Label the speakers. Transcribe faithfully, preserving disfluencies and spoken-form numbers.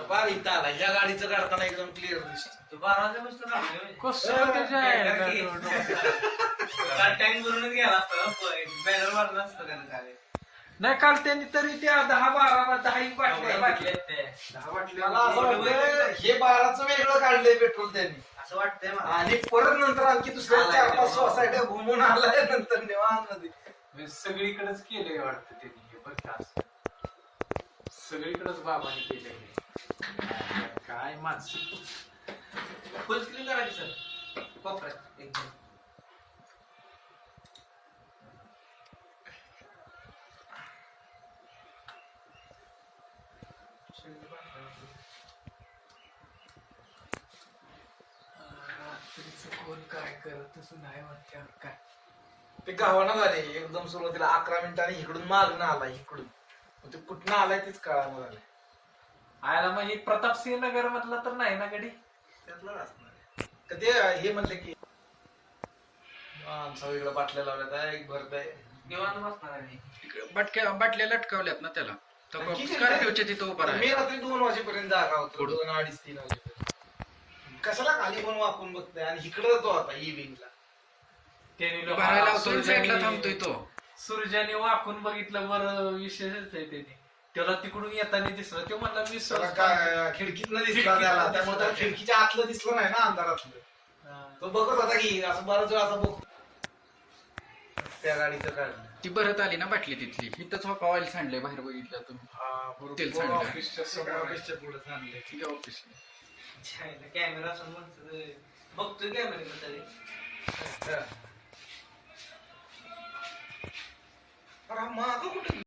Speaker 1: बार इथं आला ह्या गाडीचं काढताना एकदम क्लिअर दिसत
Speaker 2: बाराच्या बसलं
Speaker 3: कसं त्याच्या
Speaker 2: टँक भरूनच गेला असतं बॅनर मारलं असतं त्यानं काय
Speaker 3: नाही काल त्यांनी तरी त्या दहा बारा दहा एक बाटल्या
Speaker 2: बाटले ते
Speaker 3: दहा
Speaker 1: मला
Speaker 3: बाटल्या
Speaker 1: असं वाटतं हे बाराचं वेगळं काढलंय पेट्रोल त्यांनी
Speaker 2: असं वाटतंय मला
Speaker 1: आणि परत नंतर आणखी दुसऱ्या चार पाच सोसायट्या घुमून आलाय नंतर निवांत मध्ये
Speaker 3: सगळीकडेच केलंय वाटतं त्यांनी हे बरं का असं. सगळीकडेच बाबांनी केलंय काय माणसं
Speaker 2: फुल स्क्रीन करायची सर कोपऱ्यात एकदम
Speaker 3: रात्रीचं कोण काय करत असं नाही वाटतं काय
Speaker 1: ते गावाना झाले एकदम सुरुवातीला अकरा मिनिटांनी इकडून मागणं आला इकडून मग ते कुठनं आलाय तेच कळायला झालंय
Speaker 3: आयला मग हे प्रतापसिंह नगर मधला तर नाही ना गडी
Speaker 1: त्यातलं असणार का ते हे म्हणले की आमचा वेगळं बाटल्या लावल्यात एक भरत आहे
Speaker 2: निवांत बसणार आहे
Speaker 4: बाटक्या बाटल्या लटकावल्यात ना त्याला तर
Speaker 1: किती
Speaker 4: स्कॉर्पिओच्या तिथं उभा
Speaker 1: मी
Speaker 4: आहे
Speaker 1: रात्री दोन वाजेपर्यंत जागा होतो दोन अडीच तीन वाजेपर्यंत कशाला खाली पण वाकून बघतोय आणि इकडं तो आता ई विंगला
Speaker 3: त्यांनी
Speaker 4: भरायला
Speaker 3: लोकांना
Speaker 4: लावतोय साईडला
Speaker 3: सूर्याने-
Speaker 4: थांबतोय तो
Speaker 3: सूर्याने वाकून बघितलं बरं विशेषच आहे त्याने त्याला तिकडून येताना दिसलं तो म्हणला मी
Speaker 1: त्याला
Speaker 3: सहज
Speaker 1: काय खिडकीतनं दिसला त्याला त्यामुळे त्याला खिडकीच्या आतलं दिसलं नाही ना अंधारातलं
Speaker 3: हा.
Speaker 1: तो बघत होता की असं बराच वेळ असं बघ त्या गाडीचं काढलं
Speaker 4: ती भरत आली ना बाटली तिथली इथंच हो ऑइल सांडले बाहेर बघितलं तुम्ही तेल सांडलं.
Speaker 1: ऑफिसच्या समोर ऑफिसच्या पुढे सांगले
Speaker 4: ठीक आहे ऑफिस
Speaker 2: कॅमेरा समोर बघतोय कॅमेरा
Speaker 1: अरे मागं कुठे